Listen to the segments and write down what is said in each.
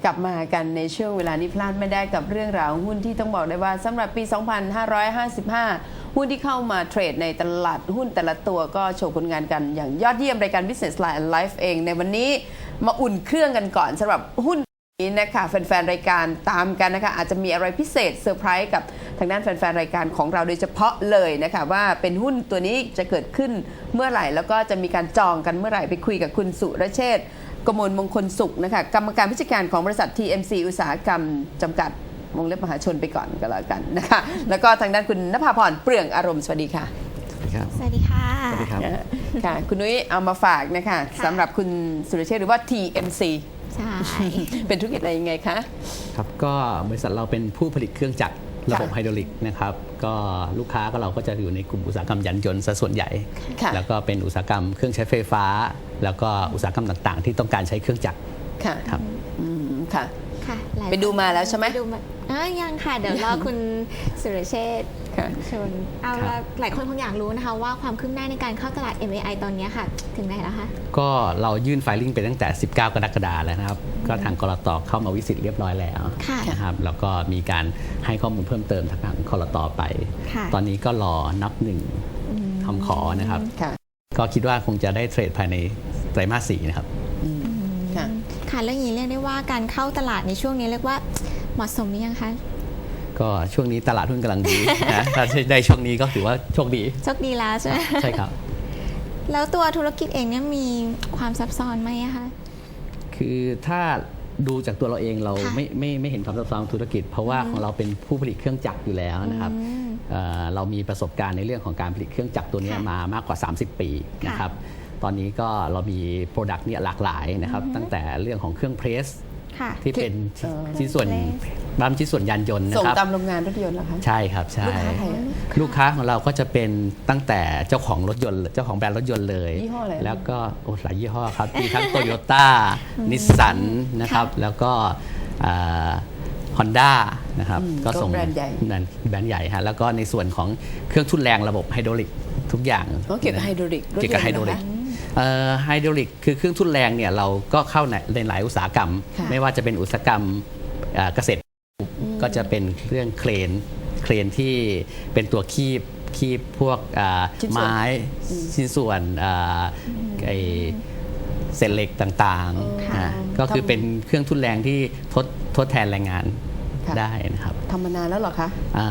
กลับมากันในช่วงเวลานี้พลาดไม่ได้กับเรื่องราวหุ้นที่ต้องบอกได้ว่าสำหรับปี 2555 หุ้นที่เข้ามาเทรดในตลาดหุ้นแต่ละตัวก็โชว์ผลงานกันอย่างยอดเยี่ยมรายการ Business Line and Life เองในวันนี้มาอุ่นเครื่องกันก่อนสำหรับหุ้นนี้นะคะแฟนๆรายการตามกันนะคะอาจจะมีอะไรพิเศษเซอร์ไพรส์กับทางด้านแฟนๆรายการของเราโดยเฉพาะเลยนะคะว่าเป็นหุ้นตัวนี้จะเกิดขึ้นเมื่อไหร่แล้วก็จะมีการจองกันเมื่อไหร่ไปคุยกับคุณสุรเชษฐ์กมลมงคลสุขนะคะกรรมการผู้จัดการของบริษัท TMC อุตสาหกรรมจำกัดวงเล็บมหาชนไปก่อนก็แล้วกันนะคะแล้วก็ทางด้านคุณณภาพรเปลืองอารมณ์สวัสดีค่ะสวัสดีค่ะสวัสดีครับค่ะคุณนุ้ยเอามาฝากนะคะสำหรับคุณสุรเชษฐ์หรือว่า TMC ใช่เป็นธุรกิจอะไรยังไงคะครับก็บริษัทเราเป็นผู้ผลิตเครื่องจักรระบบไฮดรอลิกนะครับก็ลูกค้าก็เราก็จะอยู่ในกลุ่มอุตสาหกรรมยานยนต์ซะส่วนใหญ่ค่ะแล้วก็เป็นอุตสาหกรรมเครื่องใช้ไฟฟ้า แล้วก็อุตสาหกรรมต่างๆ ที่ต้องการใช้เครื่องจักรค่ะครับค่ะค่ะหลายไปดูมาแล้วใช่ไหมปดูมายังค่ะ เดี๋ยวรอคุณสุรเชษฐ์ค่ะชวนเอาละหลายคนคงอยากรู้นะคะว่าความคืบหน้าในการเข้าตลาด MAI ตอนนี้ค่ะ ถึงไหนแล้วคะก็เรายื่นไฟลิ่งไปตั้งแต่ 19 กรกฎาคมแล้วนะครับ ก็ทางกลตเข้ามาวิสิตเรียบร้อยแล้วค่ะนะครับแล้วก็มีการให้ข้อมูลเพิ่มเติมทางกลตไปค่ะตอนนี้ก็รอนับหนึ่งคำขอนะครับค่ะก็คิดว่าคงจะได้เทรดภายในไตรมาส 4 นะครับค่ะค่ะแล้วอย่างนี้เรียกได้ว่าการเข้าตลาดในช่วงนี้เรียกว่าเหมาะสมหรือยังคะก็ช่วงนี้ตลาดหุ้นกำลังดี นะ ถ้าได้ช่วงนี้ก็ถือว่าโชคดีโชคดีแล้วใช่ไหมใช่ครับแล้วตัวธุรกิจเองเนี่ยมีความซับซ้อนไหมอะคะคือถ้าดูจากตัวเราเองเราค่ะไม่เห็นความซับซ้อนของธุรกิจ เพราะว่าของเราเป็นผู้ผลิตเครื่องจักรอยู่แล้วนะครับเรามีประสบการณ์ในเรื่องของการผลิตเครื่องจักรตัวนี้ค่ะมามากกว่า 30 ปีนะครับตอนนี้ก็เรามีโปรดักต์เนี่ยหลากหลายนะครับตั้งแต่เรื่องของเครื่องเพรสค่ะที่เป็นเอ่อชิ้นส่วนบ้านชิ้นส่วนยานยนต์นะส่งครับตามโรงงานรถยนต์เหรอคะใช่ครับใช่ลูกค้าใครอะลูกค้าของเราก็จะเป็นตั้งแต่เจ้าของรถยนต์เจ้าของแบรนด์รถยนต์เลยยี่ห้ออะไรแล้วก็โอ้หลายยี่ห้อครับ มีทั้งโตโยต้านิสสันนะครับแล้วก็ฮอนด้านะครับก็แบรนด์ใหญ่แบรนด์ใหญ่ฮะแล้วก็ในส่วนของเครื่องทุ่นแรงระบบไฮดรอลิกทุกอย่างอ๋อเกี่ยวกับไฮดรอลิกรถเกี่ยวกับไฮดรอลิกยนต์เหรอคะไฮดรอลิกคือเครื่องทุ่นแรงเนี่ยเราก็เข้าในหลายอุตสาหกรรมค่ะไม่ว่าจะเป็นอุตสาหกรรมเกษตรก็จะเป็นเครื่องเครนที่เป็นตัวคีบพวกไม้ชิ้นส่วนไอเศษเหล็กต่างๆก็คือเป็นเครื่องทุ่นแรงที่ทดแทนแรงงานค่ะได้นะครับทำมานานแล้วเหรอคะ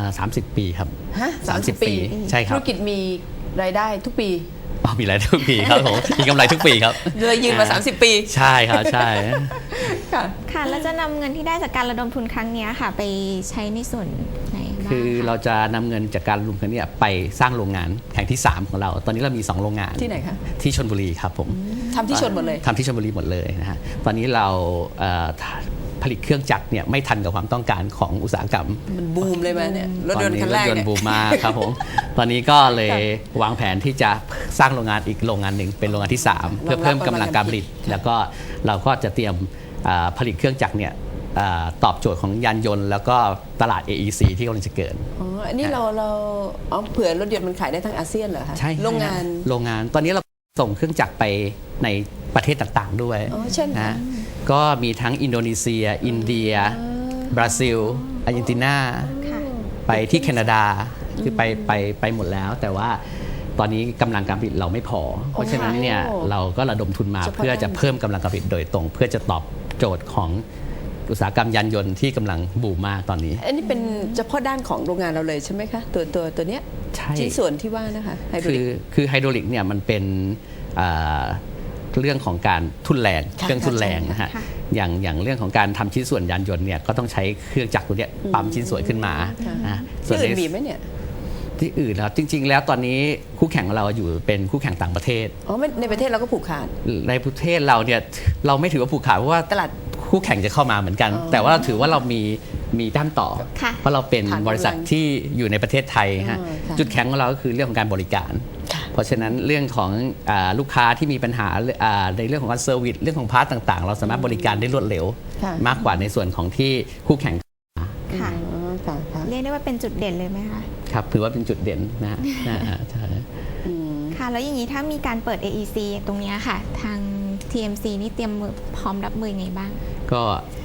30 ปีครับฮะ 30 ปีใช่ครัธุบรกิจมีรายได้ทุกปีมีรายได้ทุกปีครับผมมีกำไรทุกปีครับเลยยืนมา 30 ปีใช่ครับใช่ค่ะค่ะแล้วจะนำเงินที่ได้จากการระดมทุนครั้งนี้ค่ะ ไปใช้ในส่วนไหนบ้างคือเราจะนำเงินจากการรวมกันเนี่ยไปสร้างโรงงานแห่งที่ 3 ของเรา ตอนนี้เรามี 2 โรงงานที่ไหนคะที่ชลบุรีครับผมทำที่ชนหมดเลยทำที่ชลบุรีหมดเลยนะฮะตอนนี้เราผลิตเครื่องจักรเนี่ยไม่ทันกับความต้องการของอุตสาหกรรมมันบูมเลยไหมเนี่ยรถตอนยนต์นี้คันรแรถกยนเนี่ต์ยบูมมากครับผมตอนนี้ก็เลยวางแผนที่จะสร้างโรงงานอีกโรงงานหนึ่งเป็นโรงงานที่ 3 เพื่อเพิ่มกำลังการผลิต แล้วก็เราก็จะเตรียมผลิตเครื่องจักรเนี่ยตอบโจทย์ของยานยนต์ แล้วก็ตลาด AEC ที่กำลังจะเกิดอ๋ออันนี้เราอ๋อเผื่อรถยนต์มันขายได้ทั้งอาเซียนเหรอคะใช่โรงงานโรงงานตอนนี้เราส่งเครื่องจักรไปในประเทศต่างๆด้วยอ๋อเช่นนะก็มีทั้งอินโดนีเซีย อินเดีย บราซิล อาร์เจนตินาค่ะไปที่แคนาดาคือไปหมดแล้ว แต่ว่าตอนนี้กำลังการผลิตเราไม่พอ เพราะฉะนั้นเนี่ยเราก็ระดมทุนมาเฉพาะเพื่อจะเพิ่มกำลังการผลิตโดยตรง เพื่อจะตอบโจทย์ของอุตสาหกรรมยานยนต์ที่กำลังบูมมากตอนนี้อันนี้เป็นเฉพาะด้านของโรงงานเราเลยใช่ไหมคะตัวเนี้ยใช่ชิ้นส่วนที่ว่านะคะไฮดรอลิกคือไฮดรอลิกเนี่ยมันเป็นเรื่องของการทุ่นแรงค่ะเครื่องทุ่นแรงนะฮะค่ะอย่างเรื่องของการทำชิ้นส่วนยานยนต์เนี่ยก็ต้องใช้เครื่องจักรตัวเนี้ยปั๊มชิ้นส่วนขึ้นมานะส่ที่วนอื่นในมีไหมเนี่ยที่อื่นแล้วจริง ๆ แล้วตอนนี้คู่แข่งของเราอยู่เป็นคู่แข่งต่างประเทศอ๋อไม่ในประเทศเราก็ผูกขาดในประเทศเราเนี่ยเราไม่ถือว่าผูกขาดเพราะว่าตลาดคู่แข่งจะเข้ามาเหมือนกัน แต่ว่าเราถือว่าเรามีด้านต่อค่ะเพราะเราเป็นฐานกำลังบริษัทที่อยู่ในประเทศไทยฮะอ๋อค่ะจุดแข็งของเราก็คือเรื่องของการบริการค่ะเพราะฉะนั้นเรื่องของลูกค้าที่มีปัญหาในเรื่องของการเซอร์วิสเรื่องของพาร์ทต่างๆ เราสามารถบริการได้รวดเร็วค่ะมากกว่าในส่วนของที่คู่แข่งค่ะอ๋อค่ะค่ะเรียกได้ว่าเป็นจุดเด่นเลยไหมคะครับถือว่าเป็นจุดเด่นนะฮะใช่ค่ะ แล้วอย่างนี้ถ้ามีการเปิด AEC ตรงเนี้ยค่ะ ทาง TMC นี่เตรียมมือพร้อมรับมือไงบ้างก็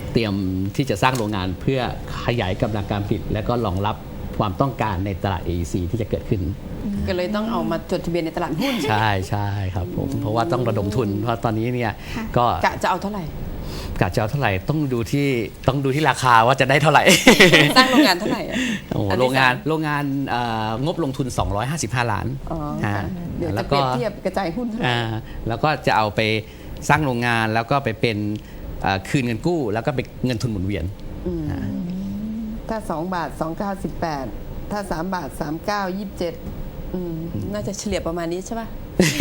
เตรียมที่จะสร้างโรงงานเพื่อขยายกำลังการผลิตและก็รองรับความต้องการในตลาด AEC ที่จะเกิดขึ้นก็เลยต้องเอามาจดทะเบียนในตลาดหุ้นใช่ใช่ครับผมเพราะว่าต้องระดมทุนเพราะตอนนี้เนี่ยก็กะจะเอาเท่าไหร่กะจะเอาเท่าไหร่ต้องดูที่ราคาว่าจะได้เท่าไหร่สร้างโรงงานเท่าไหร่อะโอ้โหอันโรที่งงานสมโรงงานงบลงทุน 255 ล้านอ๋อฮะค่ะเดี๋ยวแล้จะวเปรีก็ยบเทียบกระจายหุ้นเท่าไหร่แล้วก็จะเอาไปสร้างโรงงานแล้วก็ไปเป็นคืนเงินกู้ แล้วก็ไปเงินทุนหมุนเวียนถ้า2 บาท 2.98 ถ้า3 บาท 39 27น่าจะเฉลี่ยประมาณนี้ใช่ป่ะ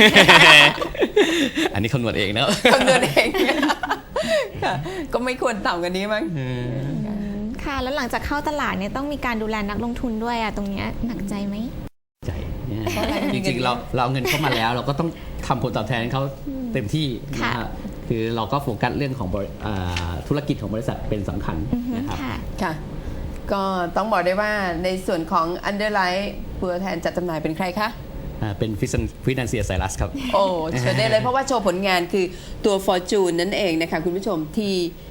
อันนี้คำนวณเองนะคำนวณเอง ค่ะก็ไม่ควรต่ำกว่านี้มั้งค่ะ แล้วหลังจากเข้าตลาดเนี่ยต้องมีการดูแลนักลงทุนด้วยอะตรงเนี้ยหนักใจไหมใจจริงๆเราเอาเงินเข้ามาแล้ว เราก็ต้องทำผลตอบแทนให้เขาเต็มที่นะครับคือเราก็โฟกัสเรื่องของธุรกิจของบริษัทเป็นสำคัญนะครับค่ะค่ะ ก็ต้องบอกได้ว่าในส่วนของ Underline ตัวแทนจัดจำหน่ายเป็นใครคะเป็นฟินแลนเซียไซรัสครับโอ้เชิญได้เลยเพราะว่าโชว์ผลงานคือตัว Fortune นั่นเองนะคะคุณผู้ชมที่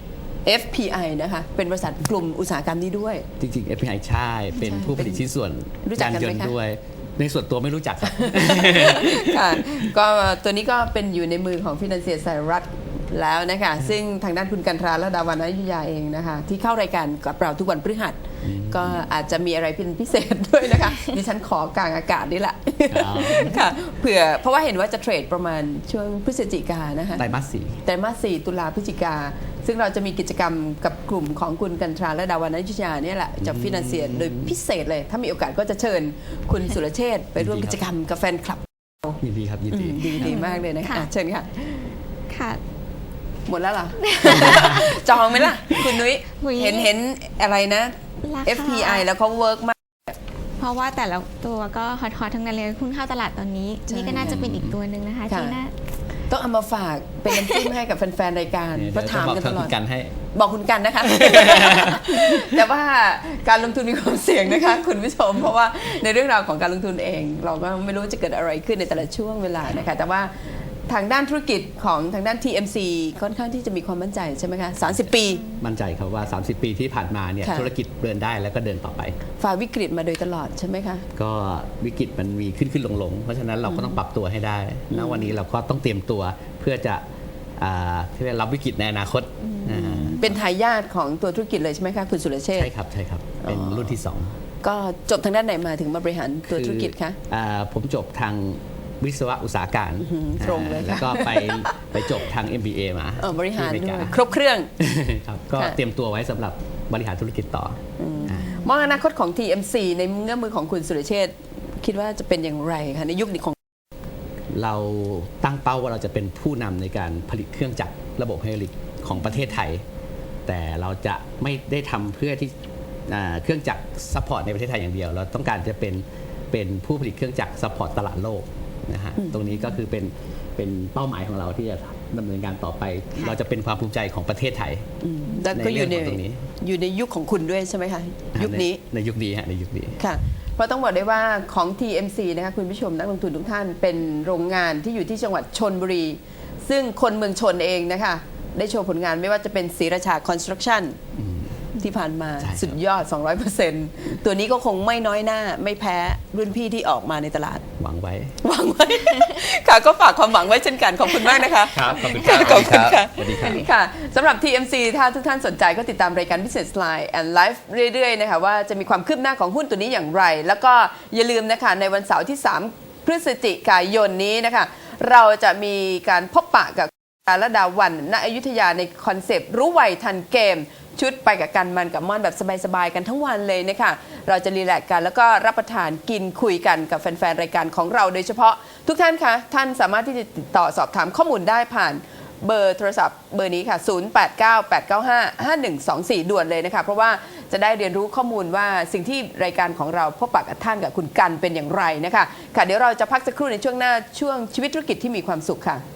FPI นะคะเป็นบริษัทกลุ่มอุตสาหกรรมนี้ด้วยจริงๆ FPI ใช่เป็นผู้ผลิตชิ้นส่วนรู้จักกันไหมคะยนต์ด้วย ในส่วนตัวไม่รู้จักครับค่ะก็ตัวนี้ก็เป็นอยู่ในมือของฟินแลนเซียไซรัสแล้วนะคะซึ่งทางด้านคุณกันทราและดาวันอยุธยาเองนะคะที่เข้ารายการกับเราทุกวันพฤหัสก็อาจจะมีอะไรเป็นพิเศษด้วยนะคะดิฉันขอกลางอากาศนี่แหละครับค่ะเผื่อเพราะว่าเห็นว่าจะเทรดประมาณช่วงพฤศจิกายนนะคะไตรมาสสี่ไตรมาส 4 ตุลาพฤศจิกาซึ่งเราจะมีกิจกรรมกับกลุ่มของคุณกันทราและดาวันอยุธยาเนี่ยแหละจากฟินแลนเซียโดยพิเศษเลย ถ้ามีโอกาสก็จะเชิญคุณสุรเชษฐ์ไปร่วมกิจกรรมกับแฟนคลับยินดีครับยินดีดีมากเลยนะคะค่ะอ่ะเชิญค่ะค่ะหมดแล้วเหรอ จองไหมล่ะ คุณนุ้ยอุ๊ยเห็นอะไรนะราคา FPI แล้วเขาเวิร์กมากเพราะว่าแต่ละตัวก็ฮอตๆทั้งนั้นเลยคุณเข้าตลาดตอนนี้ใช่นี่ก็น่าจะเป็นอีกตัวหนึ่งนะคะค่ะที่น่าต้องเอามาฝากเป็นน้ำจิ้มให้กับแฟนๆรายการเนี่ยเพราะถามกันตลอดเดี๋ยวจะบอกทางคุณกันให้บอกคุณกันนะคะ แต่ว่าการลงทุนมีความเสี่ยงนะคะ คุณผู้ชม เพราะว่าในเรื่องราวของการลงทุนเอง เราก็ไม่รู้จะเกิดอะไรขึ้นในแต่ละช่วงเวลานะคะ แต่ว่าทางด้านธุรกิจของทางด้าน TMC ค่อนข้างที่จะมีความมั่นใจใช่ไหมคะ 30 ปีมั่นใจครับว่า 30 ปีที่ผ่านมาเนี่ยค่ะธุรกิจเดินได้แล้วก็เดินต่อไปฝ่าวิกฤตมาโดยตลอดใช่ไหมคะก็วิกฤตมันมีขึ้นลงเพราะฉะนั้นเราก็ต้องปรับตัวให้ได้ณวันนี้เราก็ต้องเตรียมตัวเพื่อจะที่จะรับวิกฤตในอนาคตอ่าเป็นทายาทของตัวธุรกิจเลยใช่ไหมคะคุณสุรเชษฐ์ใช่ครับใช่ครับ เป็นรุ่นที่ 2 ก็จบทางด้านไหนมาถึงมาบริหารตัวธุรกิจคะผมจบทางวิศวะอุตสาหการตรงเลยค่ะแล้วก็ไปจบทาง MBA มาบริหารที่อเมด้วยกาครบเครื่องครับก็ค่ะเตรียมตัวไว้สำหรับบริหารธุรกิจต่ออมองอนาคตของ TMC ในเงื้อมือของคุณสุรเชษฐ์คิดว่าจะเป็นอย่างไรคะในยุคนี้ของเราตั้งเป้าว่าเราจะเป็นผู้นำในการผลิตเครื่องจักรระบบไฮดรอลิกของประเทศไทย แต่เราจะไม่ได้ทำเพื่อที่เครื่องจักรซัพพอร์ตในประเทศไทยอย่างเดียว เราต้องการจะเป็นผู้ผลิตเครื่องจักรซัพพอร์ตตลาดโลกนะฮะตรงนี้ก็คือเป็นเป้าหมายของเราที่จะดำเนินการต่อไป เราจะเป็นความภูมิใจของประเทศไทยแล้วก็อยู่ในเรื่องของตรงนี้อยู่ในยุคของคุณด้วยใช่ไหมคะยุคนี้ในยุคนี้ฮะในยุคนี้ค่ะ เพราะต้องบอกได้ว่าของ TMC นะคะคุณผู้ชมนักลงทุนทุกท่านเป็นโรงงานที่อยู่ที่จังหวัดชลบุรี ซึ่งคนเมืองชนเองนะคะได้โชว์ผลงานไม่ว่าจะเป็นศรีราชาคอนสตรักชั่นที่ผ่านมาใช่ครับสุดยอด 200%ตัวนี้ก็คงไม่น้อยหน้าไม่แพ้รุ่นพี่ที่ออกมาในตลาดหวังไว้หวังไว้ ค่ะก็ฝากความหวังไว้เช่นกัน ขอบคุณมากนะคะครับขอบคุณขอบคุณค่ะสวัสดีครับค่ะสำหรับ TMC ถ้าทุกท่านสนใจก็ติดตามรายการ Business Line and Live เรื่อยๆนะคะว่าจะมีความคืบหน้าของหุ้นตัวนี้อย่างไร แล้วก็อย่าลืมนะคะในวันเสาร์ที่ 3 พฤศจิกายนนี้นะคะเราจะมีการพบปะกับและดาวันณอยุธยาในคอนเซปต์รู้ไวทันเกม ชุดไปกับกันมันกับม่อนแบบสบายๆกันทั้งวันเลยนะคะเราจะรีแลกซ์กันแล้วก็รับประทานกินคุยกันกับแฟนๆรายการของเราโดยเฉพาะทุกท่านคะท่านสามารถที่จะติดต่อสอบถามข้อมูลได้ผ่านเบอร์โทรศัพท์เบอร์นี้ค่ะ 0898955124 ด่วนเลยนะคะเพราะว่าจะได้เรียนรู้ข้อมูลว่าสิ่งที่รายการของเราพบปะกับท่านกับคุณกันเป็นอย่างไรนะคะค่ะเดี๋ยวเราจะพักสักครู่ในช่วงหน้าช่วงชีวิตธุรกิจที่มีความสุขค่ะ